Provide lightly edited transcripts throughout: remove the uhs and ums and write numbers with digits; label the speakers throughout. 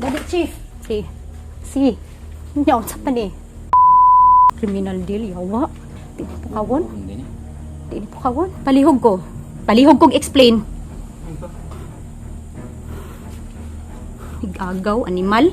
Speaker 1: Dali, Chief. Si. Nyaw sa pa ni. Criminal deal, yawa. Di ni po kawon. Di ni po kawon. Palihog ko. Palihog kong explain. Igagaw, animal.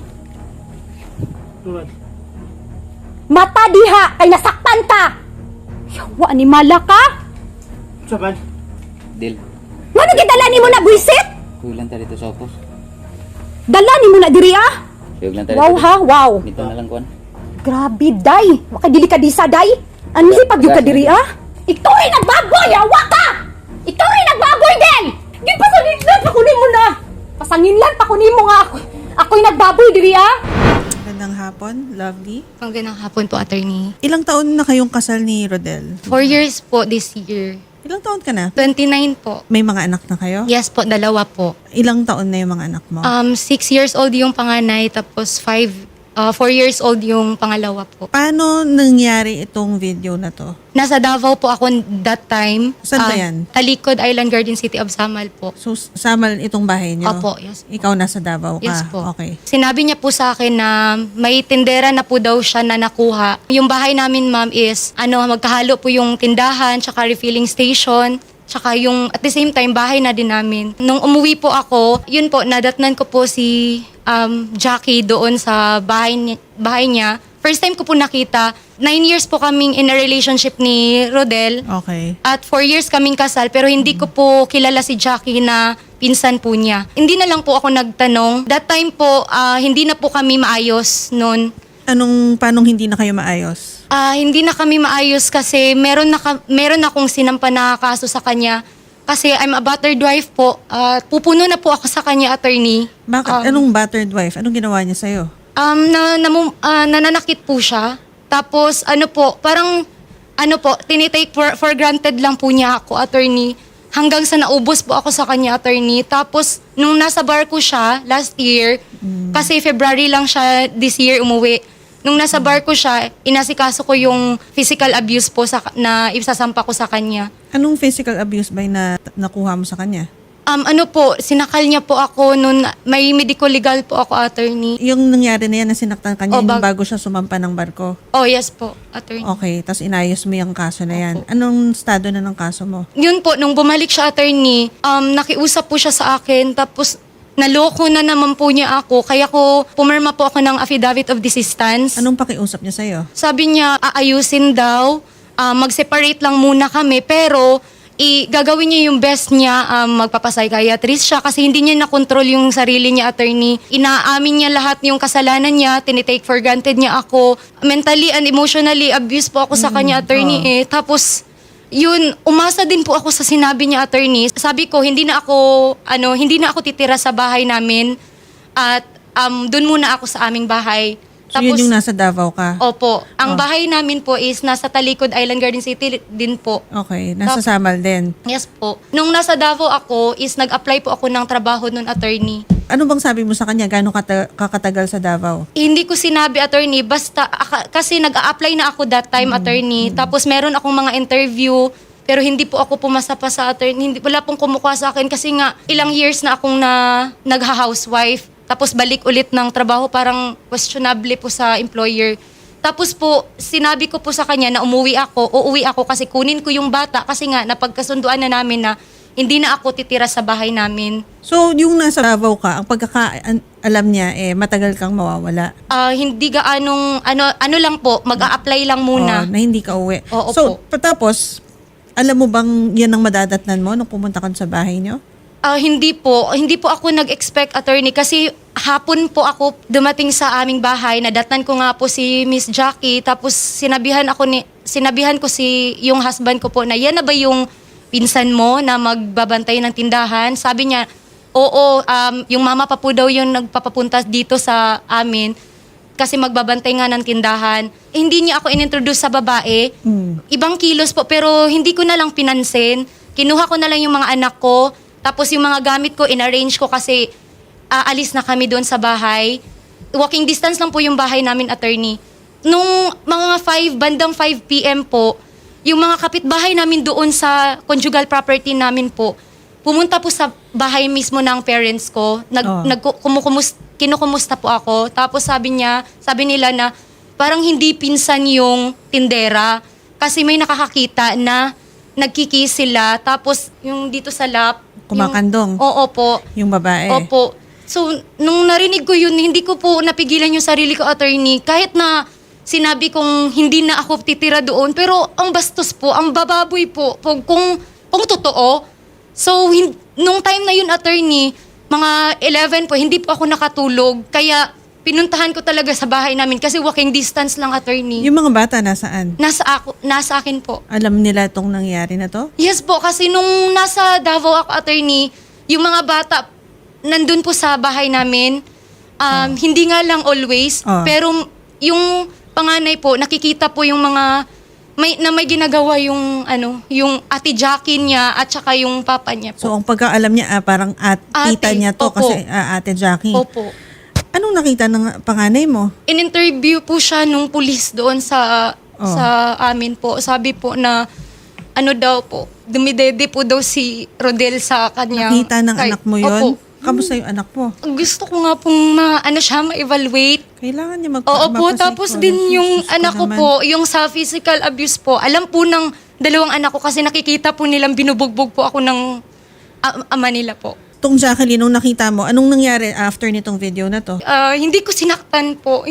Speaker 1: Mata diha! Kay nasaktan ka! Yawa, animala ka!
Speaker 2: Saban?
Speaker 3: Dil,
Speaker 1: Ngano gidala ni mo na buisit?
Speaker 3: kuyog lang tayo dito sa opos.
Speaker 1: Dala ni mo na diri ah?
Speaker 3: Kuyog lang tayo
Speaker 1: Wow
Speaker 3: dito.
Speaker 1: ha, wow.
Speaker 3: Dito na lang kuan.
Speaker 1: Grabe, day. Makadili ka di sa day. Ano si pag ka diri ah? Ikaw ay nagbaboy, awa ka! Ikaw ay nagbaboy din! Gipasanin lang, pakunin mo na! Pasangin lang, pakunin mo nga ako. Ako'y nagbaboy diri ah?
Speaker 4: Magandang hapon, lovely.
Speaker 5: Magandang hapon po, attorney.
Speaker 4: Ilang taon na kayong kasal ni Rodel?
Speaker 5: 4 years po this year.
Speaker 4: Ilang taon ka na?
Speaker 5: 29 po.
Speaker 4: May mga anak na kayo?
Speaker 5: Yes po, dalawa po.
Speaker 4: Ilang taon na yung mga anak mo?
Speaker 5: 6 years old yung panganay, tapos 4 years old yung pangalawa po.
Speaker 4: Paano nangyari itong video na to?
Speaker 5: Nasa Davao po ako that time.
Speaker 4: Saan ba yan?
Speaker 5: Talikod Island Garden City of Samal po.
Speaker 4: So, Samal itong bahay niyo?
Speaker 5: Opo, yes.
Speaker 4: Ikaw nasa Davao ka?
Speaker 5: Yes po.
Speaker 4: Okay.
Speaker 5: Sinabi niya po sa akin na may tindera na po daw siya na nakuha. Yung bahay namin, ma'am, is magkahalo po yung tindahan, tsaka refilling station, tsaka yung at the same time bahay na din namin. Nung umuwi po ako, yun po, nadatnan ko po si Jackie doon sa bahay niya. First time ko po nakita. 9 years po kaming in a relationship ni Rodel.
Speaker 4: Okay.
Speaker 5: At 4 years kaming kasal, pero hindi ko po kilala si Jackie na pinsan po niya. Hindi na lang po ako nagtanong. That time po, hindi na po kami maayos noon.
Speaker 4: Paano hindi na kayo maayos?
Speaker 5: Hindi na kami maayos kasi meron akong sinampa na kaso sa kanya. Kasi I'm a battered wife po. Pupuno na po ako sa kanya, attorney.
Speaker 4: Bakit? Anong battered wife? Anong ginawa niya sa'yo?
Speaker 5: Nananakit po siya. Tapos tinitake for granted lang po niya ako, attorney. Hanggang sa naubos po ako sa kanya, attorney. Tapos nung nasa barko siya last year, kasi February lang siya this year umuwi. Nung nasa barko siya, inasikaso ko yung physical abuse po na isasampa ko sa kanya.
Speaker 4: Anong physical abuse ba yung nakuha mo sa kanya?
Speaker 5: Sinakal niya po ako nung may medical legal po ako, attorney.
Speaker 4: Yung nangyari na yan na sinaktan kanya yung bago siya sumampa ng barko?
Speaker 5: Oh, yes po, attorney.
Speaker 4: Okay, tapos inayos mo yung kaso na yan. Anong estado na ng kaso mo?
Speaker 5: Yun po, nung bumalik siya, attorney, nakiusap po siya sa akin, tapos naloko na naman po niya ako, kaya ko pumirma po ako ng affidavit of desistance.
Speaker 4: Anong pakiusap niya sa'yo?
Speaker 5: Sabi niya, aayusin daw, mag-separate lang muna kami, pero gagawin niya yung best niya, magpapapsychiatrist siya kasi hindi niya nakontrol yung sarili niya, attorney. Inaamin niya lahat yung kasalanan niya, tinitake for granted niya ako. Mentally and emotionally abused po ako sa kanya, attorney. Tapos, yun, umasa din po ako sa sinabi niya, attorney. Sabi ko, hindi na ako titira sa bahay namin at doon muna ako sa aming bahay.
Speaker 4: So yun yung nasa Davao ka?
Speaker 5: Opo. Ang bahay namin po is nasa Talikod Island Garden City din po.
Speaker 4: Okay, nasa Samal din.
Speaker 5: Yes po. Nung nasa Davao ako is nag-apply po ako ng trabaho nun, attorney.
Speaker 4: Ano bang sabi mo sa kanya? Gano'ng kakatagal sa Davao?
Speaker 5: Hindi ko sinabi, attorney, basta kasi nag-a-apply na ako that time, attorney. Tapos meron akong mga interview, pero hindi po ako pumasa pa sa attorney. Wala pong kumukuha sa akin kasi nga ilang years na akong nagha-housewife. Tapos balik ulit ng trabaho, parang questionable po sa employer. Tapos po, sinabi ko po sa kanya na uuwi ako kasi kunin ko yung bata kasi nga napagkasunduan na namin na hindi na ako titira sa bahay namin.
Speaker 4: So, yung nasa Davao ka, ang pagkakaalam niya, matagal kang mawawala.
Speaker 5: Hindi gaanong, ano lang po, mag-a-apply lang muna.
Speaker 4: Na hindi ka uwi.
Speaker 5: Oo
Speaker 4: So,
Speaker 5: po.
Speaker 4: tapos, alam mo bang yan ang madadatnan mo nung pumunta ka sa bahay niyo?
Speaker 5: Hindi po ako nag-expect, attorney, kasi hapon po ako dumating sa aming bahay, nadatnan ko nga po si Miss Jackie, tapos sinabihan ko yung husband ko po na yan na ba yung pinsan mo na magbabantay ng tindahan? Sabi niya, oo, yung mama pa po daw yung nagpapapunta dito sa amin kasi magbabantay nga ng tindahan. Hindi niya ako inintroduce sa babae. Ibang kilos po, pero hindi ko na lang pinansin. Kinuha ko na lang yung mga anak ko. Tapos yung mga gamit ko, in-arrange ko kasi aalis na kami doon sa bahay. Walking distance lang po yung bahay namin, attorney. Nung mga bandang 5 p.m. po, yung mga kapitbahay namin doon sa conjugal property namin po, pumunta po sa bahay mismo ng parents ko. Kinukumusta po ako. Tapos sabi nila na parang hindi pinsan yung tindera kasi may nakakakita na nagkikis sila. Tapos yung dito sa lap.
Speaker 4: Kumakandong.
Speaker 5: Oo po.
Speaker 4: Yung babae.
Speaker 5: Opo. So, nung narinig ko yun, hindi ko po napigilan yung sarili ko, attorney. Kahit na sinabi kong hindi na ako titira doon. Pero ang bastos po, ang bababoy po, kung totoo. So, nung time na yun, attorney, mga 11 po, hindi po ako nakatulog. Kaya pinuntahan ko talaga sa bahay namin kasi walking distance lang, attorney.
Speaker 4: Yung mga bata nasaan?
Speaker 5: Nasa akin po.
Speaker 4: Alam nila itong nangyari na to?
Speaker 5: Yes po, kasi nung nasa Davao ako, attorney, yung mga bata, nandun po sa bahay namin, hindi nga lang always, pero yung panganay po, nakikita po yung mga, may ginagawa yung, yung ate Jackie niya at saka yung papa niya po.
Speaker 4: So, ang pagkaalam niya, parang tita niya to
Speaker 5: opo.
Speaker 4: kasi ate Jackie.
Speaker 5: Opo.
Speaker 4: Anong nakita ng panganay mo?
Speaker 5: In-interview po siya nung pulis doon sa amin po. Sabi po na, daw po, dumidede po daw si Rodel sa kanya.
Speaker 4: Nakita ng anak mo yun?
Speaker 5: Opo.
Speaker 4: Kamusta yung anak mo?
Speaker 5: Gusto ko nga pong ma-evaluate.
Speaker 4: Kailangan niya
Speaker 5: Oo po, tapos din yung anak ko po, yung sa physical abuse po, alam po ng dalawang anak ko kasi nakikita po nilang binubugbog po ako ng ama nila po.
Speaker 4: Tong Jacqueline, nung nakita mo, anong nangyari after nitong video na to?
Speaker 5: Hindi ko sinaktan po.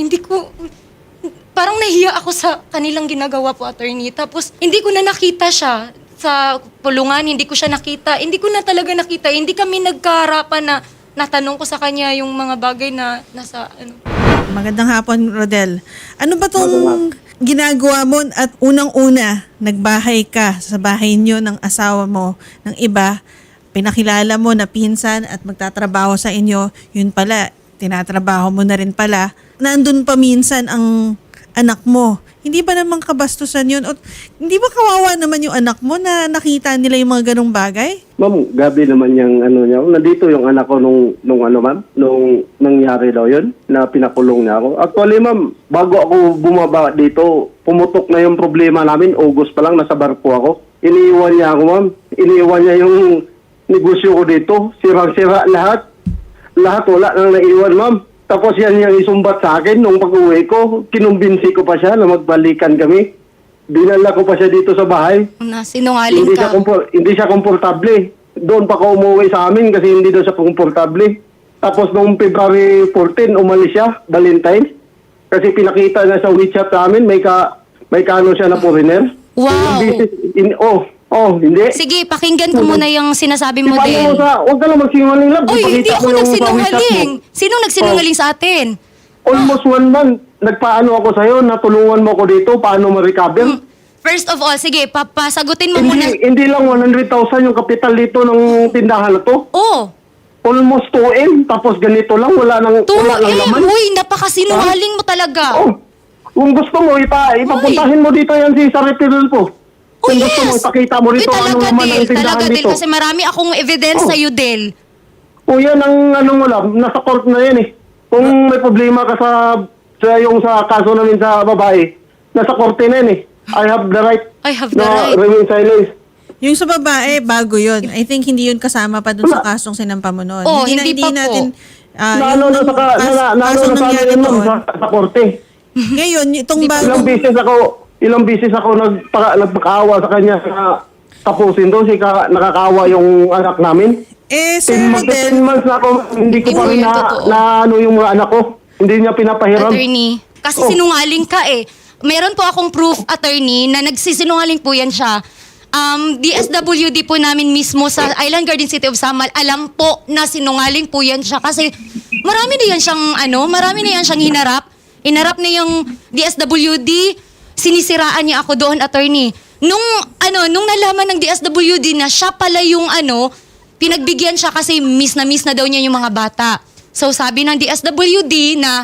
Speaker 5: Parang nahiya ako sa kanilang ginagawa po, attorney. Tapos, hindi ko na nakita siya sa pulungan, hindi ko siya nakita. Hindi ko na talaga nakita. Hindi kami nagkaharapan na natanong ko sa kanya yung mga bagay na nasa
Speaker 4: Magandang hapon, Rodel. Ano ba tong ginagawa mo at unang-una, nagbahay ka sa bahay niyo ng asawa mo ng iba, pinakilala mo na pinsan at magtatrabaho sa inyo, yun pala, tinatrabaho mo na rin pala, nandun pa minsan ang anak mo. Hindi ba naman kabastusan yun? O, hindi ba kawawa naman yung anak mo na nakita nila yung mga ganong bagay?
Speaker 2: Ma'am, gabi naman yung niya. Nandito yung anak ko nung nangyari daw yun, na pinakulong niya ako. Actually, ma'am, bago ako bumaba dito, pumutok na yung problema namin. August pa lang, nasa barko ako. Iniiwan niya ako, ma'am. Iniiwan niya yung negosyo ko dito. Sirang-sira lahat. Lahat wala nang naiwan, ma'am. Tapos yan yung isumbat sa akin nung pag-uwi ko. Kinumbinsi ko pa siya na magbalikan kami. Dinala ko pa siya dito sa bahay.
Speaker 5: Sinungaling ka.
Speaker 2: Hindi siya komportable. Doon pa ko umuwi sa amin kasi hindi doon siya komportable. Tapos noong February 14, umalis siya, Valentine's. Kasi pinakita niya sa WeChat sa amin, may kano siya na foreigner.
Speaker 5: Wow!
Speaker 2: Hindi.
Speaker 5: Sige, pakinggan ko muna yung sinasabi mo,
Speaker 2: Paano
Speaker 5: Del.
Speaker 2: huwag ka lang magsinungaling lang.
Speaker 5: Uy, hindi
Speaker 2: Ipakita
Speaker 5: ako
Speaker 2: mo yung sa
Speaker 5: nagsinungaling.
Speaker 2: WeChat mo.
Speaker 5: Sino nagsinungaling sa atin?
Speaker 2: Almost 1 month. Nagpaano ako sa'yo, natulungan mo ko dito, paano ma-recover?
Speaker 5: First of all, sige, papasagutin mo muna.
Speaker 2: Hindi lang 100,000 yung kapital dito ng tindahan na to.
Speaker 5: Oh,
Speaker 2: Almost 2M, tapos ganito lang, wala nang laman.
Speaker 5: Uy, napakasinungaling mo talaga.
Speaker 2: Oh, kung gusto mo, ipapuntahin mo dito yan si Saripirul po.
Speaker 5: Oh,
Speaker 2: Kung
Speaker 5: yes.
Speaker 2: gusto mo, ipakita mo rito anong laman ng tindahan
Speaker 5: Talaga, Del,
Speaker 2: dito.
Speaker 5: kasi marami akong evidence sa'yo, Del.
Speaker 2: O yan ang wala, nasa court na yan eh. Kung may problema ka sa kaso namin sa babae, nasa korte na yan eh. I have the right
Speaker 5: I have the
Speaker 2: na
Speaker 5: right.
Speaker 2: remain silent.
Speaker 4: Yung sa babae, bago yun. I think hindi yun kasama pa dun sa kasong sinampa mo noon.
Speaker 5: Oh, hindi pa po.
Speaker 4: natin,
Speaker 2: Naano na
Speaker 4: kasong
Speaker 2: sa
Speaker 4: nangyari
Speaker 2: amin
Speaker 4: doon.
Speaker 2: sa korte.
Speaker 4: Ngayon, itong
Speaker 2: Ilang
Speaker 4: bago,
Speaker 2: beses ako nagpakaawa sa kanya na tapusin doon. Nakakaawa yung anak namin.
Speaker 4: Sir
Speaker 2: 10
Speaker 4: Rodel,
Speaker 2: months na ako, hindi ko pa rin
Speaker 5: Hindi, totoo.
Speaker 2: na yung mga anak ko. Hindi niya pinapahiram.
Speaker 5: Attorney, kasi sinungaling ka eh. Meron po akong proof, attorney, na nagsisinungaling po yan siya. DSWD po namin mismo sa Island Garden City of Samal, alam po na sinungaling po yan siya kasi marami na yan siyang hinarap. Hinarap na yung DSWD, sinisiraan niya ako doon, attorney. Nung nalaman ng DSWD na siya pala yung pinagbigyan siya kasi miss na daw niya yung mga bata. So sabi ng DSWD na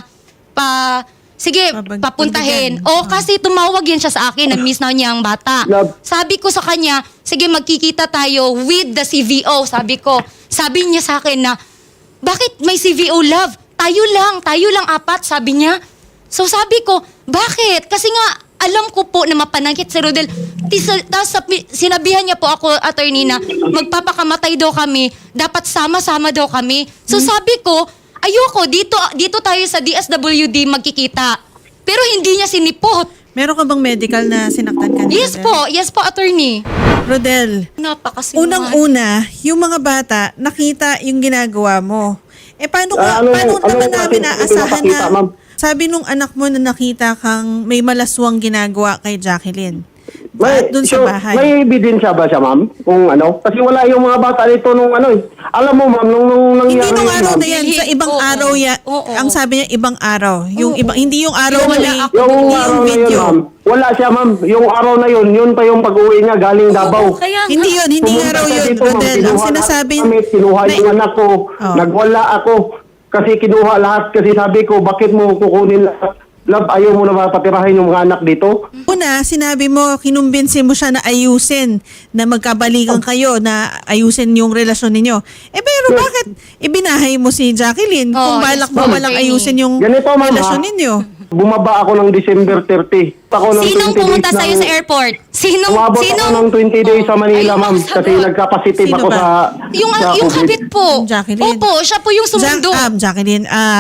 Speaker 5: sige, papuntahin. O kasi tumawag yan siya sa akin na miss na niya ang bata. Sabi ko sa kanya, sige magkikita tayo with the CVO. Sabi niya sa akin na, bakit may CVO, love? Tayo lang 4, sabi niya. So sabi ko, bakit? Kasi nga, alam ko po na mapanangkit si Rodel. Tapos sinabihan niya po ako, attorney, na magpapakamatay daw kami, dapat sama-sama daw kami. So sabi ko, ayoko, dito tayo sa DSWD magkikita. Pero hindi niya sinipot.
Speaker 4: Meron ka bang medical na sinaktan ka ni Rodel?
Speaker 5: Yes po, attorney.
Speaker 4: Rodel,
Speaker 5: Napakasinungaling.
Speaker 4: unang-una, yung mga bata, nakita yung ginagawa mo. Paano
Speaker 2: Anong
Speaker 4: naman namin naasahan
Speaker 2: pinapakita,
Speaker 4: na,
Speaker 2: ma'am?
Speaker 4: sabi nung anak mo na nakita kang may malaswang ginagawa kay Jacqueline?
Speaker 2: May,
Speaker 4: At dun sa
Speaker 2: so,
Speaker 4: bahay.
Speaker 2: may ebidensya ba siya, ma'am? Kung ano? Kasi wala yung mga bata dito nung ano eh. Alam mo, ma'am, nung
Speaker 4: Hindi
Speaker 2: nangyari
Speaker 4: nung
Speaker 2: yun,
Speaker 4: araw
Speaker 2: ma'am,
Speaker 4: na yan, sa ibang
Speaker 5: Oo.
Speaker 4: araw yan.
Speaker 5: Oo.
Speaker 4: Ang sabi niya, ibang araw. Yung ibang, hindi yung araw
Speaker 5: Yung
Speaker 4: na
Speaker 5: wala
Speaker 4: may,
Speaker 5: ako.
Speaker 2: yung
Speaker 4: hindi
Speaker 2: araw
Speaker 4: yung
Speaker 2: na yun,
Speaker 4: video.
Speaker 2: ma'am. Wala siya, ma'am. Yung araw na yun, yun pa yung pag-uwi niya galing Davao.
Speaker 5: Kaya nga.
Speaker 4: Hindi yun, hindi
Speaker 2: Pumunta
Speaker 4: araw
Speaker 2: siya
Speaker 4: yun,
Speaker 2: dito, ma'am.
Speaker 4: Rodel. Ang
Speaker 2: Kinuha
Speaker 4: sinasabi,
Speaker 2: kami, kinuha
Speaker 4: na-
Speaker 2: yung anak ko.
Speaker 4: Oh.
Speaker 2: Nagwala ako. Kasi kinuha lahat. Kasi sabi ko, bakit mo kukunin lahat? Love, ayaw mo na mapatirahin yung mga anak dito?
Speaker 4: Una, sinabi mo, kinumbinsi mo siya na ayusin, na magkabalikan kayo, na ayusin yung relasyon ninyo. Pero bakit ibinahay mo si Jacqueline kung
Speaker 5: Oh,
Speaker 4: balak
Speaker 5: yes,
Speaker 4: mo
Speaker 5: ma'am.
Speaker 4: walang ayusin yung
Speaker 2: Ganito, ma'am,
Speaker 4: relasyon
Speaker 2: ha?
Speaker 4: ninyo?
Speaker 2: Bumaba ako ng December 30. Ako ng
Speaker 5: Sinong
Speaker 2: 20
Speaker 5: pumunta
Speaker 2: days
Speaker 5: sa'yo
Speaker 2: ng-
Speaker 5: sa airport?
Speaker 2: Umabot ako ng 20 days sa Manila,
Speaker 5: Ayun,
Speaker 2: ma'am.
Speaker 5: sabi
Speaker 2: Kasi
Speaker 5: ko.
Speaker 2: nagka-positive
Speaker 4: Sino
Speaker 2: ako
Speaker 4: ba?
Speaker 2: sa
Speaker 5: Yung
Speaker 2: COVID.
Speaker 5: kabit po.
Speaker 4: Yung Jacqueline.
Speaker 5: Opo, siya po yung sumundo.
Speaker 4: Jacqueline,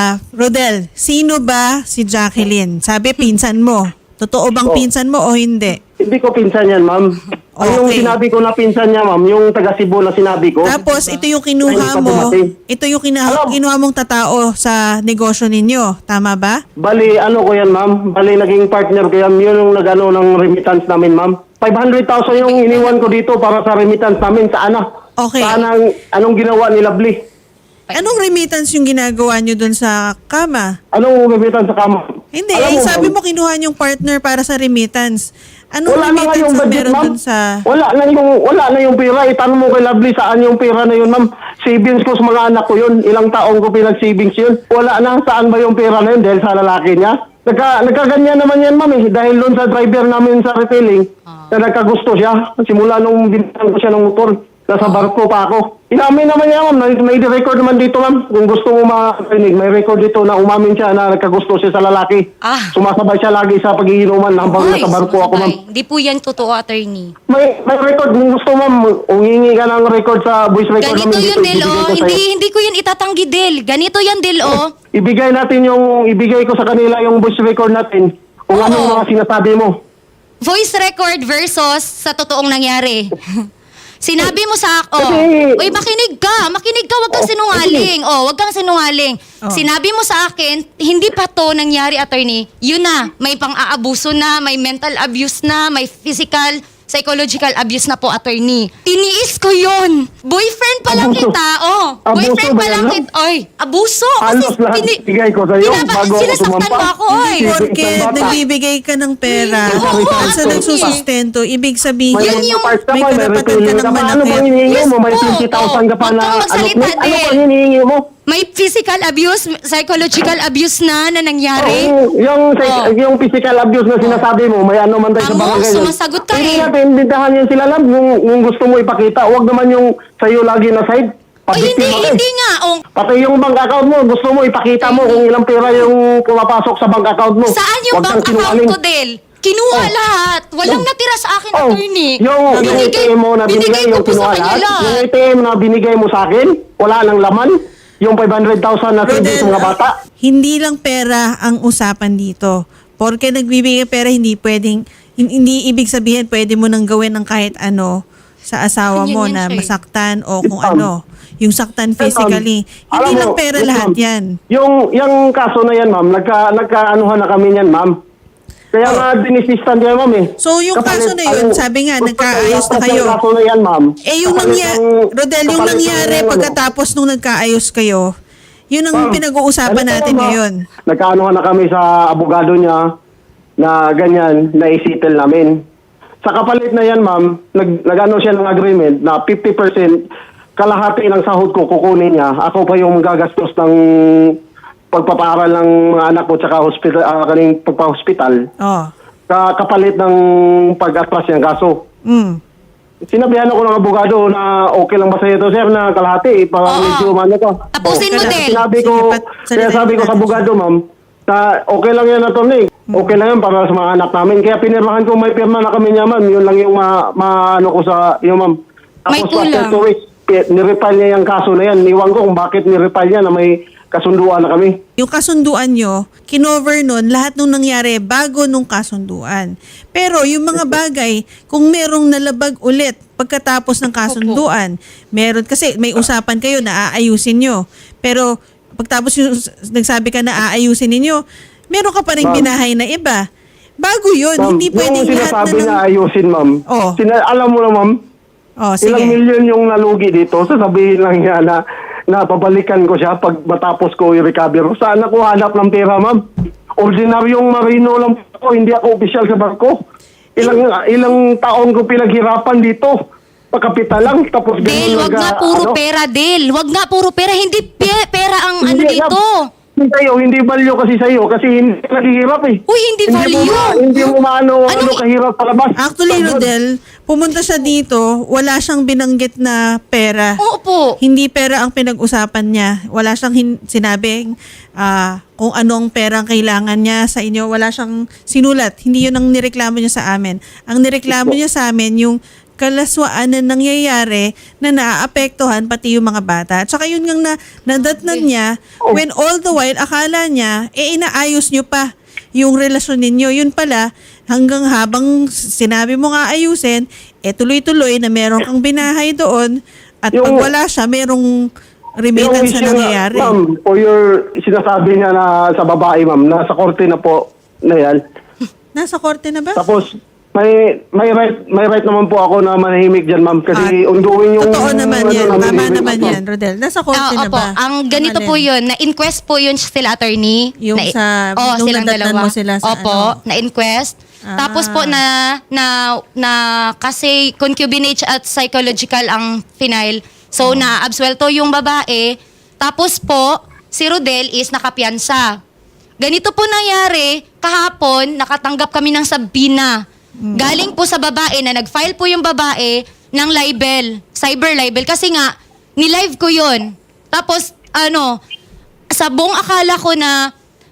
Speaker 4: Rodel, sino ba si Jacqueline? Sabi, pinsan mo. Totoo bang
Speaker 2: Oh.
Speaker 4: pinsan mo o hindi?
Speaker 2: Hindi ko pinsan yan, ma'am. Ang yung
Speaker 4: Okay.
Speaker 2: sinabi ko na pinsan niya, ma'am, yung taga Cebu na sinabi ko.
Speaker 4: Tapos, ito yung kinuha
Speaker 2: Ay, hindi pa
Speaker 4: mo,
Speaker 2: dumating.
Speaker 4: ito yung
Speaker 2: Alam.
Speaker 4: kinuha mong tatao sa negosyo ninyo. Tama ba?
Speaker 2: Bali, ano ko yan, ma'am? Bali, naging partner ko yan. Yun yung nag-ano ng remittance namin, ma'am. 500,000 yung iniwan ko dito para sa remittance namin sa ana.
Speaker 4: Okay.
Speaker 2: Sa anong ginawa ni Lovely?
Speaker 4: Anong remittance yung ginagawa nyo dun sa kama?
Speaker 2: Anong remittance sa kama?
Speaker 4: Hindi,
Speaker 2: Alam
Speaker 4: sabi
Speaker 2: ma'am,
Speaker 4: mo kinuha yung partner para sa remittance. Anong
Speaker 2: wala na nga
Speaker 4: remittance
Speaker 2: yung
Speaker 4: ang
Speaker 2: budget,
Speaker 4: meron
Speaker 2: ma'am.
Speaker 4: dun sa...
Speaker 2: Wala na yung pera. Itanong mo kay Lovely saan yung pera na yun, ma'am. Savings ko sa mga anak ko yun. Ilang taong ko pinag-savings yun. Wala na. Saan ba yung pera na yun? Dahil sa lalaki niya. Nagkaganyan naman yan, ma'am. Dahil doon sa driver namin sa retailing, na nagkagusto siya. Simula nung binigyan ko siya ng motor. Nasa barko pa ako. Inamin naman niya, ma'am. May record naman dito, ma'am. Kung gusto mo marinig, may record dito na umamin siya na nagkagusto siya sa lalaki.
Speaker 5: Ah.
Speaker 2: Sumasabay siya lagi sa pagiinuman habang
Speaker 5: Ay,
Speaker 2: nasa barko ako, ma'am.
Speaker 5: sumasabay. Hindi po yan totoo, attorney.
Speaker 2: May record. Kung gusto, ma'am, umingi ka ng record sa voice record
Speaker 5: Ganito
Speaker 2: namin
Speaker 5: yun,
Speaker 2: dito.
Speaker 5: Del,
Speaker 2: Ibigay
Speaker 5: oh.
Speaker 2: ko sa'yo.
Speaker 5: Hindi ko yun itatanggi, Del. Ganito yan, Del, oh.
Speaker 2: Ibigay ko sa kanila yung voice record natin. Kung
Speaker 5: Oo.
Speaker 2: anong mga sinasabi mo.
Speaker 5: Voice record versus sa totoong nangyari. Sinabi mo sa
Speaker 2: Kasi-
Speaker 5: uy, makinig ka, wag kang sinungaling. Wag kang sinungaling.
Speaker 4: Oh.
Speaker 5: Sinabi mo sa akin, hindi pa to nangyari, attorney. Yun na, may pang-aabuso na, may mental abuse na, may physical, psychological abuse na po, attorney. Tiniis ko yun. Boyfriend pa lang
Speaker 2: Abuso.
Speaker 5: kita,
Speaker 2: Abuso
Speaker 5: Boyfriend
Speaker 2: ba
Speaker 5: pa
Speaker 2: yan,
Speaker 5: lang
Speaker 2: no?
Speaker 5: kita. Oy, abuso.
Speaker 2: Halos lahat bigay ko sa'yo bago ako
Speaker 5: sinasaktan
Speaker 2: sumampa.
Speaker 5: mo ako, oy.
Speaker 2: Hindi.
Speaker 4: Porque
Speaker 2: Isang bata.
Speaker 4: nagbibigay ka ng pera
Speaker 5: Oo,
Speaker 4: at sa
Speaker 5: attorney.
Speaker 4: nagsusustento, ibig sabihin,
Speaker 5: Yun yung-
Speaker 4: may karapatan ka ng
Speaker 2: Ano
Speaker 4: manakit.
Speaker 2: bang hinihingi
Speaker 5: Yes
Speaker 2: mo? May
Speaker 5: po.
Speaker 2: 20,000 ka pa
Speaker 5: Huwag
Speaker 2: na
Speaker 5: kang magsalita,
Speaker 2: ano
Speaker 5: Del.
Speaker 2: bang hinihingi mo?
Speaker 5: May physical abuse, psychological abuse na nangyari.
Speaker 2: Oo, yung physical abuse na sinasabi mo, may ano man tayo sa
Speaker 5: Amo,
Speaker 2: barangay. yun.
Speaker 5: sumasagot ka
Speaker 2: Hindi
Speaker 5: eh.
Speaker 2: natin imbitahan yan sila, love. Yung gusto mo ipakita, huwag naman yung sa'yo lagi na side.
Speaker 5: Ay, hindi,
Speaker 2: Pabiktima ka eh.
Speaker 5: hindi nga.
Speaker 2: Pati yung bank account mo, gusto mo ipakita mo kung ilang pera yung pumapasok sa bank account mo.
Speaker 5: Saan yung
Speaker 2: Huwag
Speaker 5: bank
Speaker 2: kang
Speaker 5: account
Speaker 2: sinungaling.
Speaker 5: ko, Del? Kinuha lahat. Walang natira sa akin,
Speaker 2: Oh,
Speaker 5: attorney.
Speaker 2: yung ATM mo na binigay, yung
Speaker 5: ko po sa
Speaker 2: kinuha
Speaker 5: kanya
Speaker 2: lahat. Yung
Speaker 5: lahat.
Speaker 2: ATM na binigay mo sa akin, wala nang laman. Yung 500,000 na savings sa mga bata.
Speaker 4: Hindi lang pera ang usapan dito. Porque nagbibigay pera, hindi pwedeng, hindi ibig sabihin pwede mo nang gawin ng kahit ano sa asawa
Speaker 5: Yun
Speaker 4: mo
Speaker 5: yan
Speaker 4: na
Speaker 5: siya eh.
Speaker 4: masaktan o kung
Speaker 2: Ma'am.
Speaker 4: ano. Yung saktan physically.
Speaker 2: Alam
Speaker 4: Hindi
Speaker 2: mo,
Speaker 4: lang pera
Speaker 2: yes,
Speaker 4: lahat
Speaker 2: ma'am.
Speaker 4: yan.
Speaker 2: Yung kaso na yan, ma'am, nagkaanuhan na kami yan, ma'am. Kaya nga dinisistan niya, ma'am eh.
Speaker 4: So, yung kaso na yun, sabi nga, nagkaayos na kayo.
Speaker 2: Yung kaso na yan, ma'am.
Speaker 4: Yung nangyari, Rodel, yung nangyari pagkatapos nung nagkaayos kayo, yun ang pinag-uusapan natin ngayon.
Speaker 2: Nagkaanuhan na kami sa abogado niya na ganyan, na isitil namin. Sa kapalit na yan, ma'am, nag-ano siya ng agreement na 50% kalahati ng sahod ko kukunin niya. Ako pa yung gagastos ng pagpapaaral ng mga anak ko tsaka hospital, kaning pagpa-hospital.
Speaker 4: Oh.
Speaker 2: Kapalit ng pag-atras niyang kaso.
Speaker 4: Mm.
Speaker 2: Sinabihan ako ng abogado na okay lang ba sa ito, sir, na kalahati para
Speaker 5: Oo.
Speaker 2: medyo ano ko.
Speaker 5: Tapusin mo,
Speaker 2: Kaya
Speaker 5: Del.
Speaker 2: Sinabi ko,
Speaker 4: Sige,
Speaker 2: kaya sabi ko sa abogado, ma'am, Okay lang yan, attorney. Okay lang yan para sa mga anak namin. Kaya pinirmahan ko, may pirma na kami niya, ma'am. Yun lang yung ano ko sa iyo, ma'am.
Speaker 5: May
Speaker 2: Tapos
Speaker 5: kulang.
Speaker 2: after 2 weeks, nirepile niya yung kaso na yan. Iwan ko kung bakit nirepile niya na may kasunduan na kami.
Speaker 4: Yung kasunduan nyo, kinover nun lahat nung nangyari bago nung kasunduan. Pero yung mga bagay, kung merong nalabag ulit pagkatapos ng kasunduan, meron, kasi may usapan kayo na aayusin nyo. Pero pagtapos yung nagsabi ka na aayusin ninyo, meron ka pa rin
Speaker 2: Ma'am.
Speaker 4: binahay na iba. Bago yun,
Speaker 2: Ma'am,
Speaker 4: hindi pwedeng
Speaker 2: yung
Speaker 4: lahat
Speaker 2: sinasabi
Speaker 4: na
Speaker 2: na
Speaker 4: ng...
Speaker 2: ayusin, ma'am.
Speaker 4: Oh.
Speaker 2: Alam mo na, ma'am,
Speaker 4: Oh,
Speaker 2: ilang
Speaker 4: sige.
Speaker 2: milyon yung nalugi dito. Sasabihin lang niya na babalikan ko siya pag matapos ko i-recover. Saan ako hanap ng pera, ma'am? Ordinaryong marino lang ako, hindi ako opisyal sa barko. Ilang taon ko pinaghirapan dito. Pagkapital lang, tapos
Speaker 5: Del, wag nga puro pera, Del. Wag nga puro pera. Hindi pera ang ano
Speaker 2: Hindi,
Speaker 5: dito.
Speaker 2: Hindi value kasi sa'yo kasi hindi ka naghihirap eh.
Speaker 5: Uy, hindi value.
Speaker 2: Hindi mo maano kahirap palabas.
Speaker 4: Actually, Rodel, pumunta siya dito, wala siyang binanggit na pera.
Speaker 5: Oo po.
Speaker 4: Hindi pera ang pinag-usapan niya. Wala siyang sinabing kung anong pera ang kailangan niya sa inyo. Wala siyang sinulat. Hindi yun ang nireklamo niya sa amin. Ang nireklamo niya sa amin yung kalaswaan na nangyayari na naaapektuhan pati yung mga bata. At saka yun ngang nadatnan niya when all the while akala niya inaayos niyo pa yung relasyon ninyo. Yun pala, hanggang habang sinabi mo nga ayusin, tuloy-tuloy na meron kang binahay doon at pag wala siya, merong remittance na nangyayari.
Speaker 2: Ma'am, o your sinasabi niya na sa babae, ma'am, nasa korte na po na yan.
Speaker 4: Nasa korte na ba?
Speaker 2: Tapos, may right naman po ako na manahimik dyan, ma'am. Kasi ongoing yung...
Speaker 4: Totoo naman yan.
Speaker 2: namin,
Speaker 4: Tama
Speaker 2: ma'am.
Speaker 4: naman yan, Rodel. Nasa korte na
Speaker 5: Opo,
Speaker 4: ba?
Speaker 5: ang ganito
Speaker 4: Alin?
Speaker 5: po yun, na-inquest po yun sila attorney.
Speaker 4: Yung nung
Speaker 5: silang
Speaker 4: nadatnan
Speaker 5: dalawa.
Speaker 4: mo sila sa
Speaker 5: Opo,
Speaker 4: ano?
Speaker 5: na-inquest. Tapos po na kasi concubinage at psychological ang final. So na-absuelto yung babae. Tapos po, si Rodel is nakapiyansa. Ganito po nangyari, kahapon, nakatanggap kami ng sabina. Galing po sa babae na nag-file po yung babae ng libel, cyber libel. Kasi nga, ni-live ko yun. Tapos, sa buong akala ko na,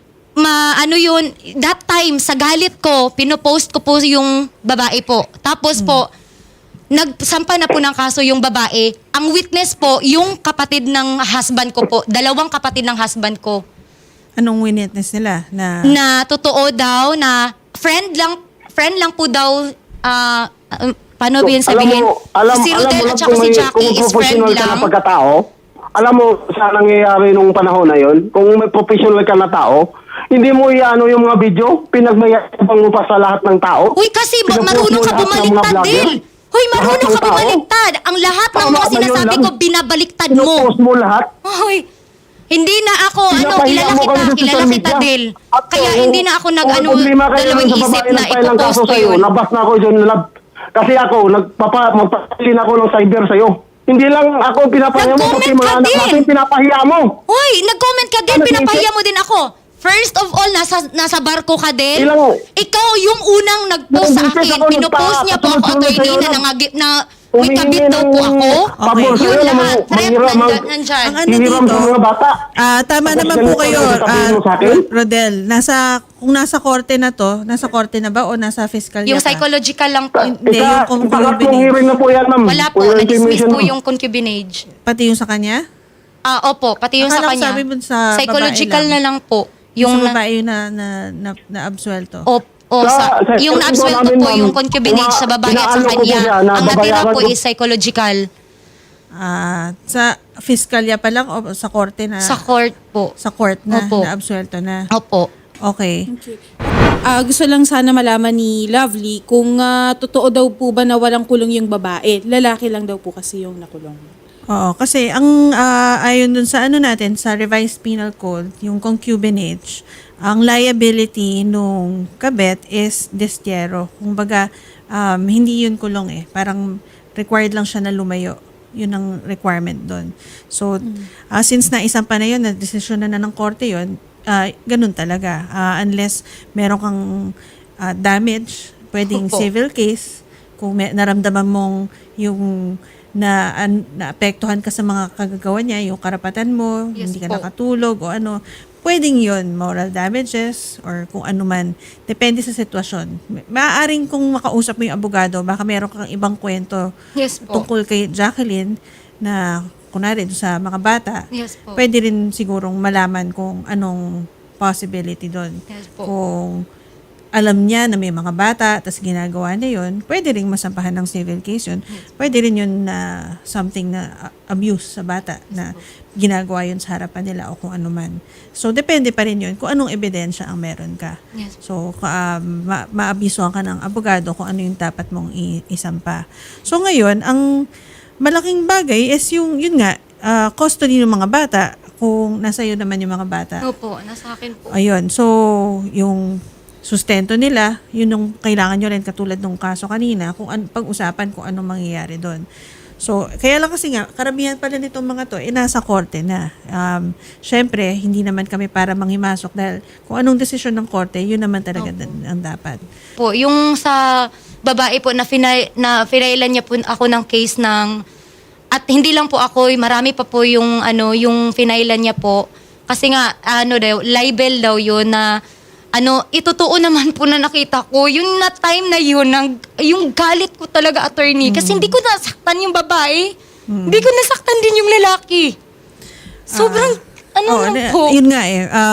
Speaker 5: that time, sa galit ko, pinopost ko po yung babae po. Tapos po, nagsampa na po ng kaso yung babae. Ang witness po, yung kapatid ng husband ko po. 2 kapatid ng husband ko.
Speaker 4: Anong witness nila?
Speaker 5: Na totoo daw na friend lang po daw, paano ba yun sabihin? Si Rodel at saka si Jackie is friend
Speaker 2: professional ka na
Speaker 5: lang.
Speaker 2: pagkatao, alam mo sa nangyayari nung panahon na yon, kung may professional ka na tao, hindi mo iano yung mga video, pinagmayabang mo pa sa lahat ng tao.
Speaker 5: Uy, kasi
Speaker 2: Pinupost
Speaker 5: marunong
Speaker 2: mo
Speaker 5: ka
Speaker 2: lahat ng mga
Speaker 5: bumaliktad
Speaker 2: vlogger.
Speaker 5: din. Hoy, marunong
Speaker 2: Lahat ng
Speaker 5: ka
Speaker 2: tao.
Speaker 5: bumaliktad. Ang lahat ng
Speaker 2: Tama
Speaker 5: mga
Speaker 2: ba yun
Speaker 5: sinasabi
Speaker 2: lang?
Speaker 5: ko, binabaliktad mo.
Speaker 2: Pinupost mo lahat.
Speaker 5: Hoy, hindi na ako,
Speaker 2: Pinapahiya mo kami sa
Speaker 5: kilala
Speaker 2: social
Speaker 5: kita,
Speaker 2: media.
Speaker 5: Del.
Speaker 2: At
Speaker 5: Kaya
Speaker 2: kung-
Speaker 5: hindi na ako
Speaker 2: kung
Speaker 5: nag-ano,
Speaker 2: problema kayo
Speaker 5: dalawang
Speaker 2: sa
Speaker 5: isip
Speaker 2: babae
Speaker 5: na
Speaker 2: nag-file ng
Speaker 5: ipopost
Speaker 2: kaso
Speaker 5: ko
Speaker 2: sa'yo,
Speaker 5: yun.
Speaker 2: nabas na ako dyan, kasi ako, magpapalin ako ng cyber sa'yo. Hindi lang ako pinapahiya mo, pati
Speaker 5: Nag-comment
Speaker 2: mga
Speaker 5: ka
Speaker 2: anak
Speaker 5: din.
Speaker 2: natin pinapahiya mo.
Speaker 5: Hoy, nag-comment ka din,
Speaker 2: Ano,
Speaker 5: pinapahiya
Speaker 2: Vincent?
Speaker 5: mo din ako. First of all, nasa barko ka din.
Speaker 2: Ilang-
Speaker 5: Ikaw yung unang nag-post sa
Speaker 2: Nung Vincent
Speaker 5: akin.
Speaker 2: ako,
Speaker 5: Pinupost niya po ako,
Speaker 2: nagpa-
Speaker 5: attorney,
Speaker 2: sa'yo
Speaker 5: na may kabit daw po ako.
Speaker 2: Pabor
Speaker 4: Okay.
Speaker 2: sa'yo
Speaker 5: Yun
Speaker 2: na
Speaker 5: lahat. Threat nandyan.
Speaker 4: Ang ano
Speaker 2: hihiram
Speaker 4: dito,
Speaker 2: sa mga bata.
Speaker 4: tama
Speaker 2: Tapos
Speaker 4: naman po
Speaker 2: ganito
Speaker 4: kayo,
Speaker 2: ang sasabihin mo sa akin?
Speaker 4: Rodel. Kung nasa korte na to, nasa korte na ba o nasa fiscal
Speaker 5: Yung
Speaker 4: pa?
Speaker 5: psychological lang po.
Speaker 4: Hindi, yung
Speaker 2: Pangatlong
Speaker 4: concubinage.
Speaker 2: hearing na po yan, ma'am.
Speaker 5: Wala po,
Speaker 2: For
Speaker 5: na-dismiss
Speaker 2: intimidation,
Speaker 5: po
Speaker 2: ma'am.
Speaker 5: yung concubinage.
Speaker 4: Pati yung sa kanya?
Speaker 5: Opo, pati yung sa
Speaker 4: Akala ko
Speaker 5: kanya.
Speaker 4: sabi mo sa
Speaker 5: Psychological
Speaker 4: babae lang.
Speaker 5: na lang po.
Speaker 4: Yung
Speaker 5: Yung
Speaker 4: sa babae yung na-absuelto.
Speaker 5: yung na-absuelto
Speaker 2: namin,
Speaker 5: po
Speaker 2: ma'am,
Speaker 5: yung concubinage sa babae at sa
Speaker 2: inaalok ko po
Speaker 5: kanya.
Speaker 2: siya na
Speaker 5: Ang natira
Speaker 2: babayaran
Speaker 5: po
Speaker 2: ko.
Speaker 5: is psychological.
Speaker 4: Sa fiskalya pa lang o sa korte na?
Speaker 5: Sa court po.
Speaker 4: Sa court na,
Speaker 5: Opo.
Speaker 4: na-absuelto na.
Speaker 5: Opo.
Speaker 4: Okay.
Speaker 6: Gusto lang sana malaman ni Lovely kung totoo daw po ba na walang kulong yung babae. Lalaki lang daw po kasi yung nakulong.
Speaker 4: Oo, kasi ang ayon dun sa ano natin, sa revised penal code, yung concubinage, ang liability nung kabet is destierro. Kumbaga, hindi yun kulong eh. Parang required lang siya na lumayo. Yun ang requirement doon. So, since naisampa na yun, na-desisyon na ng korte yun, ganun talaga. Unless meron kang damage, pwedeng
Speaker 5: Opo.
Speaker 4: civil case, kung naramdaman mong yung naapektuhan ka sa mga kagagawa niya, yung karapatan mo,
Speaker 5: Yes
Speaker 4: hindi ka
Speaker 5: po.
Speaker 4: nakatulog o ano, pwedeng yun, moral damages or kung ano man. Depende sa sitwasyon. Maaaring kung makausap mo yung abogado, baka meron kang ibang kwento
Speaker 5: Yes po.
Speaker 4: tungkol kay Jacqueline na kunwari doon sa mga bata.
Speaker 5: Yes po.
Speaker 4: Pwede rin sigurong malaman kung anong possibility doon.
Speaker 5: Yes po.
Speaker 4: Kung alam niya na may mga bata, tapos ginagawa niya yun, pwede rin masampahan ng civil case yun. Pwede rin yun na something na abuse sa bata na ginagawa yun sa harapan nila o kung ano man. So, depende pa rin yun kung anong ebidensya ang meron ka.
Speaker 5: Yes.
Speaker 4: So, maabisuhan ka ng abogado kung ano yung dapat mong isampa. So, ngayon, ang malaking bagay is yun nga, custody ng mga bata, kung nasa iyo naman yung mga bata.
Speaker 5: Opo, nasa akin po.
Speaker 4: Ayun. So, yung sustento nila, yun yung kailangan nyo rin katulad nung kaso kanina, kung pag-usapan kung anong mangyayari doon. So, kaya lang kasi nga, karamihan pala nitong mga to, nasa korte na. Syempre, hindi naman kami para manghimasok dahil kung anong desisyon ng korte, yun naman talaga ang dapat.
Speaker 5: Po, yung sa babae po na finailan niya po ako ng case ng at hindi lang po ako, marami pa po yung yung finailan niya po kasi nga daw libel daw yun na itotoo naman po na nakita ko yung na time na yun yung galit ko talaga attorney kasi hindi ko nasaktan yung babae. Hindi ko nasaktan din yung lalaki. Sobrang lang po.
Speaker 4: Yun nga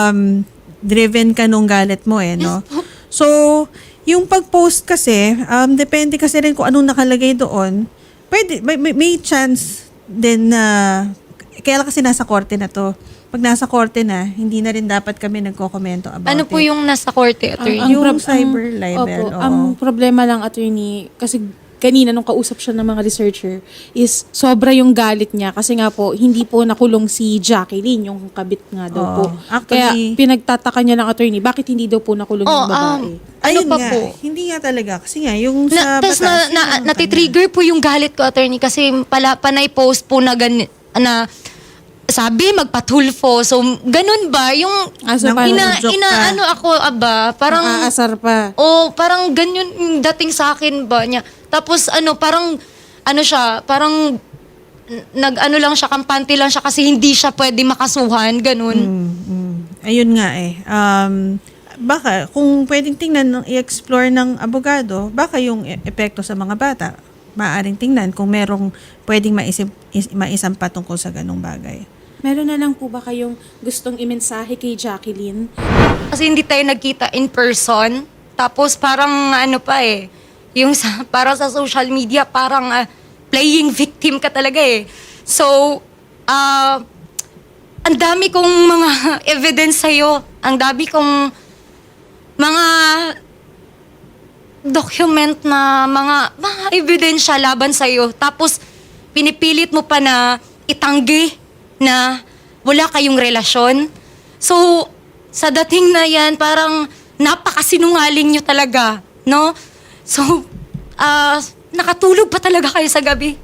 Speaker 4: driven ka nung galit mo no? So, yung pag-post kasi, depende kasi rin kung anong nakalagay doon. Pwede, may chance din na, kaya lang kasi nasa korte na to. Pag nasa korte na, hindi na rin dapat kami nagko-komento about
Speaker 5: Ano po
Speaker 4: it.
Speaker 5: yung nasa korte, attorney?
Speaker 4: Yung cyber libel,
Speaker 6: Opo,
Speaker 4: oo.
Speaker 6: ang problema lang, attorney, kasi kanina nung kausap siya ng mga researcher, is sobra yung galit niya kasi nga po, hindi po nakulong si Jacqueline, yung kabit nga daw
Speaker 4: Oo.
Speaker 6: po.
Speaker 4: Actually-
Speaker 6: Kaya pinagtataka niya lang, attorney, bakit hindi daw po nakulong yung babae?
Speaker 4: Ayun
Speaker 5: pa
Speaker 4: nga,
Speaker 5: po?
Speaker 4: hindi nga talaga. Kasi nga, yung sa
Speaker 5: Tapos
Speaker 4: batas, yun ang
Speaker 5: natitrigger po yung galit ko, attorney, kasi panay post po na sabi, magpatulfo. So, ganun ba? Yung
Speaker 6: So, parang
Speaker 4: joke ka.
Speaker 5: ako, parang,
Speaker 6: Naaasar pa.
Speaker 5: parang ganyan yung dating sa akin ba niya. Tapos, parang, siya, parang, lang siya, kampante lang siya kasi hindi siya pwede makasuhan, ganun.
Speaker 4: Ayun nga baka, kung pwedeng tingnan, i-explore ng abogado, baka yung epekto sa mga bata, maaaring tingnan kung merong pwedeng maisampa tungkol sa ganong bagay.
Speaker 6: Meron na lang po ba kayong gustong imensahe kay Jacqueline?
Speaker 5: Kasi hindi tayo nagkita in person. Tapos parang yung parang sa social media, parang playing victim ka talaga eh. So, ang dami kong mga evidence sa'yo. Ang dami kong mga document na mga ebidensya laban sa'yo. Tapos, pinipilit mo pa na itanggi na wala kayong relasyon. So, sa dating na yan, parang napakasinungaling nyo talaga, no? So, nakatulog pa talaga kayo sa gabi.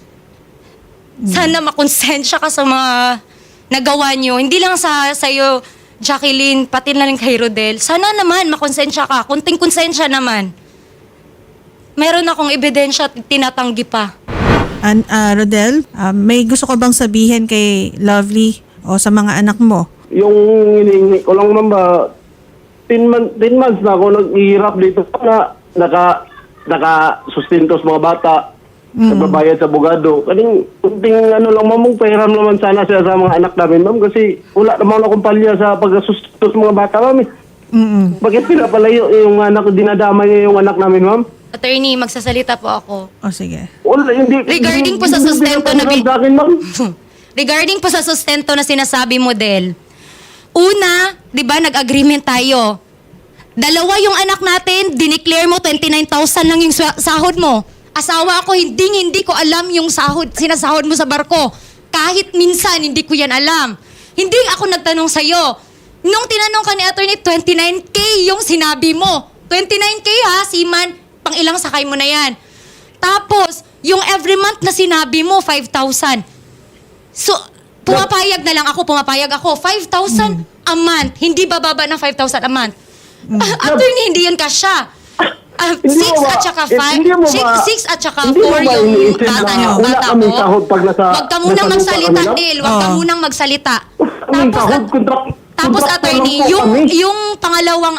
Speaker 5: Sana makonsensya ka sa mga nagawa nyo. Hindi lang sa'yo, Jacqueline, pati na rin kay Rodel. Sana naman makonsensya ka. Kunting konsensya naman. Meron akong ebidensya at tinatanggi pa.
Speaker 4: Rodel, may gusto ko bang sabihin kay Lovely o sa mga anak mo?
Speaker 2: Yung hinihingi ko lang naman ba, 10 months na ako naghihirap dito na naka-sustento sa mga bata, nagbabayad sa abogado. Kaning kunting lang mamong pahiram naman sana siya sa mga anak namin, ma'am, kasi wala naman akong palya sa pag-sustento sa mga bata, ma'am. Bakit pinapalayo yung anak, dinadama niya yung anak namin, ma'am?
Speaker 5: Attorney, magsasalita po ako.
Speaker 4: O sige.
Speaker 2: Wala, hindi.
Speaker 5: Regarding po sa sustento na
Speaker 2: sa akin, ma'am.
Speaker 5: Regarding po sa sustento na sinasabi mo, Del. Una, di ba, nag-agreement tayo. Dalawa yung anak natin, dineclare mo 29,000 lang yung sahod mo. Asawa ako, hindi ko alam yung sinasahod mo sa barko. Kahit minsan, hindi ko yan alam. Hindi ako nagtanong sa'yo. Nung tinanong ka ni attorney, 29K yung sinabi mo. 29K ha, Siman, pang ilang sakay mo na yan. Tapos, yung every month na sinabi mo, 5,000. So, pumapayag ako. 5,000 a month. Hindi bababa ng 5,000 a month. Attorney, hindi yun kasya. 6 at saka 5. 6 at saka 4 yung bata mo. Huwag ka munang magsalita, Del. Huwag ka munang magsalita.
Speaker 2: Tapos,
Speaker 5: Tapos
Speaker 2: Contractor
Speaker 5: attorney,
Speaker 2: lang po kami.
Speaker 5: yung pangalawang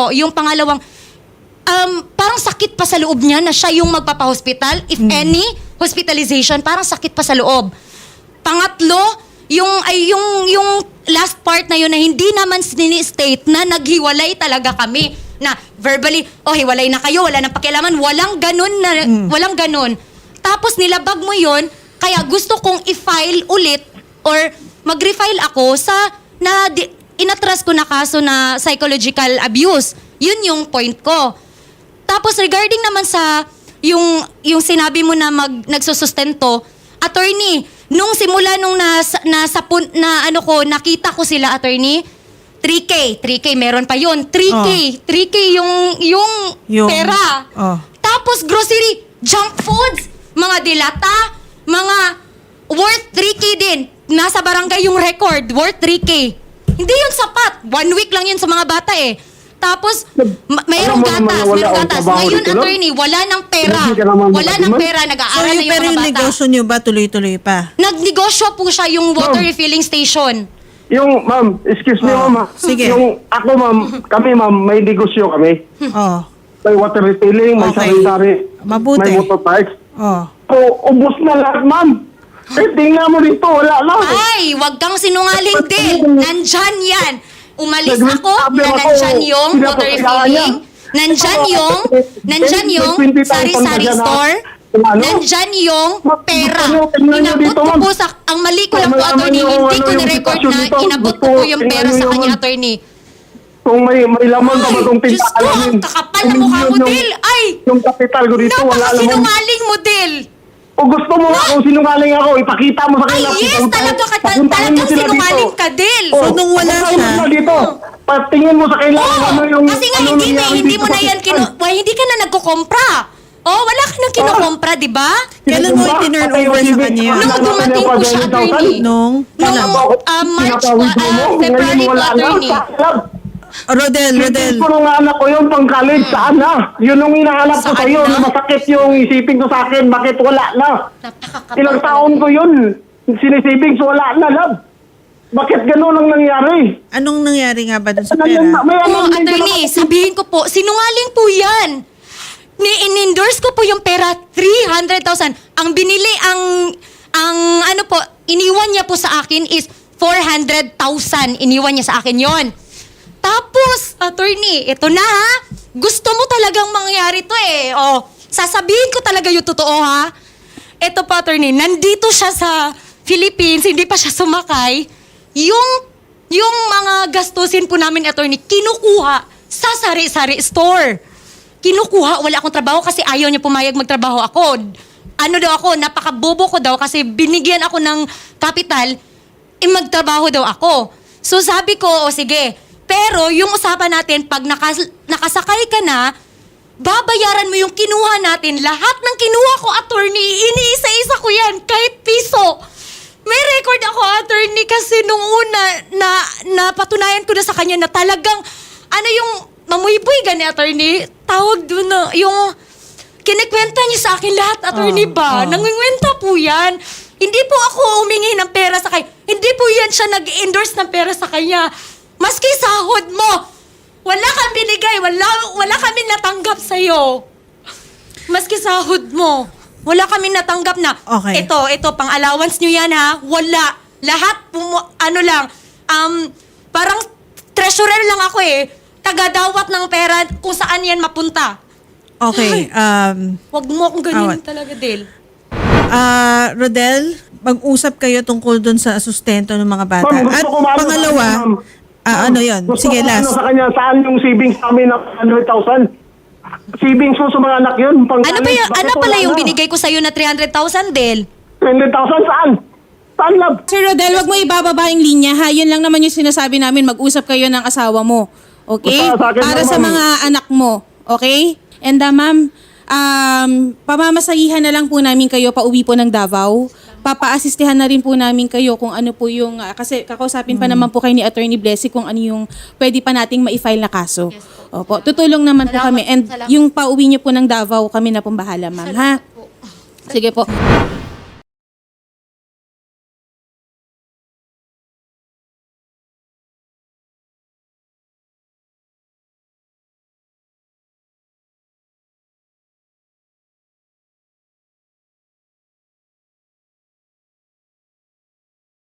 Speaker 5: parang sakit pa sa loob niya na siya yung magpapa-hospital. If any hospitalization, parang sakit pa sa loob. Pangatlo, yung last part na yun na hindi naman state na naghiwalay talaga kami. Na verbally, hiwalay na kayo, wala nang pakialaman. Walang ganun. Tapos nilabag mo yun, kaya gusto kong i-file ulit or mag-refile ako sa inatras ko na kaso na psychological abuse. Yun yung point ko. Tapos regarding naman sa yung sinabi mo na nagsusustento, attorney, nung simula nung nakita ko sila, attorney, 3K meron pa yun. 3K yung pera.
Speaker 4: Oh.
Speaker 5: Tapos grocery, junk foods, mga dilata, mga worth 3K din. Nasa barangay yung record, worth 3K. Hindi yun sapat. 1 week lang yun sa mga bata eh. Tapos, mayroong
Speaker 2: Alam mo naman
Speaker 5: gatas,
Speaker 2: wala
Speaker 5: mayroong
Speaker 2: akong
Speaker 5: gatas.
Speaker 2: trabaho
Speaker 5: Ngayon,
Speaker 2: dito, no?
Speaker 5: attorney, wala ng pera.
Speaker 2: Hindi ka naman
Speaker 5: Wala ng
Speaker 2: makatiman.
Speaker 5: pera,
Speaker 4: So
Speaker 5: nag-aaral na yung
Speaker 4: pero
Speaker 5: mga
Speaker 4: yung
Speaker 5: bata.
Speaker 4: negosyo nyo ba tuloy-tuloy pa?
Speaker 5: Nagnegosyo po siya yung water refilling station.
Speaker 2: Yung, ma'am, excuse me,
Speaker 4: Oh,
Speaker 2: ma'am.
Speaker 4: sige.
Speaker 2: Yung ako, ma'am, ma'am, may negosyo kami.
Speaker 4: Oh.
Speaker 2: May water retailing, may
Speaker 4: Okay.
Speaker 2: sari-sari.
Speaker 4: Mabuti.
Speaker 2: May motor parts.
Speaker 4: Oh.
Speaker 2: So, ubos na lahat, ma'am. Tingnan mo dito, wala na.
Speaker 5: Ay, wag kang sinungaling din. Nandyan yan. Umalis
Speaker 2: Nag-sabi
Speaker 5: ako na
Speaker 2: ako,
Speaker 5: nandyan yung water
Speaker 2: pinapakailangan
Speaker 5: refilling.
Speaker 2: niya.
Speaker 5: Nandyan yung
Speaker 2: May 20,000
Speaker 5: sari-sari
Speaker 2: pa dyan,
Speaker 5: store.
Speaker 2: ano?
Speaker 5: Nandyan yung pera.
Speaker 2: Tingnan nyo
Speaker 5: Inabot
Speaker 2: dito,
Speaker 5: ko
Speaker 2: ma'am.
Speaker 5: po sa, ang mali ko lang po,
Speaker 2: Malaman
Speaker 5: attorney,
Speaker 2: nyo
Speaker 5: hindi ko
Speaker 2: yung
Speaker 5: na-record
Speaker 2: sitwasyon
Speaker 5: na
Speaker 2: dito.
Speaker 5: inabot ko
Speaker 2: Gusto,
Speaker 5: po yung
Speaker 2: tingnan
Speaker 5: pera
Speaker 2: nyo
Speaker 5: sa
Speaker 2: yung-
Speaker 5: kanya, attorney.
Speaker 2: Kung may laman ka ba itong
Speaker 5: Diyos
Speaker 2: tinta,
Speaker 5: ko, ang kakapal na mukha mo, Del. Ay,
Speaker 2: Yung kapital ko dito, wala naman.
Speaker 5: napakasinungaling mo, Del.
Speaker 2: O gusto mo nga kung sinungaling ako, ipakita mo sa
Speaker 5: Ay,
Speaker 2: kanila.
Speaker 5: yes, talagang
Speaker 2: Papuntahin mo sila
Speaker 5: sinungaling
Speaker 2: dito.
Speaker 5: ka, Del.
Speaker 2: O,
Speaker 4: So, nung wala
Speaker 2: papuntahin mo
Speaker 4: siya-
Speaker 2: sila dito. Patingin mo sa kanila kung ano yung...
Speaker 5: Kasi nga
Speaker 2: ano
Speaker 5: hindi
Speaker 2: nangyari
Speaker 5: hindi
Speaker 2: dito
Speaker 5: mo
Speaker 2: sa
Speaker 5: na yan
Speaker 2: hospital.
Speaker 5: hindi ka na nagkukompra. Wala ka nang kinukompra, di ba?
Speaker 4: Kailan mo i-turn over sa kanya yun?
Speaker 5: Nung dumating po siya, attorney.
Speaker 4: Nung?
Speaker 5: Nung March, February po, attorney.
Speaker 4: Rodel.
Speaker 2: Isipin ko nung anak ko yun, pang college, saan na? Yun ang hinahanap ko
Speaker 5: Saan
Speaker 2: sa'yo,
Speaker 5: na?
Speaker 2: na masakit yung isipin ko sa akin, bakit wala na?
Speaker 5: Napakakapal.
Speaker 2: Ilang taon ko yun, sinisiping, so wala na, love. Bakit ganun ang nangyari?
Speaker 4: Anong nangyari nga ba dun sa
Speaker 2: May
Speaker 4: pera?
Speaker 5: Oh, attorney, sabihin ko po, sinungaling po yan. In-endorse ko po yung pera, 300,000. Ang binili, iniwan niya po sa akin is 400,000. Iniwan niya sa akin yon. Tapos, attorney, ito na ha. Gusto mo talagang mangyari to eh. Sasabihin ko talaga yung totoo ha. Ito po, attorney, nandito siya sa Philippines, hindi pa siya sumakay. Yung mga gastusin po namin, attorney, kinukuha sa sari-sari store. Kinukuha, wala akong trabaho kasi ayaw niya pumayag magtrabaho ako. Napakabobo ko daw kasi binigyan ako ng kapital, magtrabaho daw ako. So sabi ko, sige. Pero yung usapan natin, pag nakasakay ka na, babayaran mo yung kinuha natin. Lahat ng kinuha ko, attorney, iniisa-isa ko yan, kahit piso. May record ako, attorney, kasi nung una, napatunayan ko na sa kanya na talagang, yung mamuiboy gani, attorney, tawag doon na, yung kinikwenta niya sa akin lahat, attorney ba? Nangingwenta po yan. Hindi po ako humingi ng pera sa kanya. Hindi po yan siya nag-endorse ng pera sa kanya. Maski sahod mo, wala kang binigay, wala kami natanggap sa'yo. Maski sahod mo, wala kami natanggap na,
Speaker 4: Okay.
Speaker 5: ito, pang allowance nyo yan ha, wala. Lahat, parang treasurer lang ako eh, tagadawat ng pera kung saan yan mapunta.
Speaker 4: Okay.
Speaker 5: Wag mo akong ganyan
Speaker 4: Awat.
Speaker 5: talaga, Del.
Speaker 4: Rodel, mag-usap kayo tungkol dun sa sustento ng mga bata.
Speaker 2: Ma'am, gusto
Speaker 4: At
Speaker 2: ko maano
Speaker 4: pangalawa,
Speaker 2: sa kanya, ma'am.
Speaker 4: ano yun?
Speaker 2: Gusto
Speaker 4: Sige,
Speaker 2: ko
Speaker 4: last.
Speaker 2: sa kanya, saan yung savings namin ng 100,000? Savings mo sa mga anak yun.
Speaker 5: Ano pala yung binigay ko sa'yo na 300,000, Del?
Speaker 2: 20,000 saan? Saan, love?
Speaker 6: Sir Rodel, wag mo ibababa yung linya ha. Yun lang naman yung sinasabi namin, mag-usap kayo ng asawa mo. Okay?
Speaker 2: Basta sa akin
Speaker 6: Para
Speaker 2: lang,
Speaker 6: sa
Speaker 2: ma'am.
Speaker 6: mga anak mo. Okay? And ma'am, pamamasahihan na lang po namin kayo pauwi po ng Davao. Papa-assistihan na rin po namin kayo kung ano po yung, kasi kakausapin pa naman po kayo ni Attorney Blessy kung ano yung pwede pa nating ma-file na kaso. Opo, tutulong naman po
Speaker 5: Salamat,
Speaker 6: kami. And
Speaker 5: salamat.
Speaker 6: yung pauwi niyo po ng Davao, kami na pong bahala, ma'am. Ha? Sige po.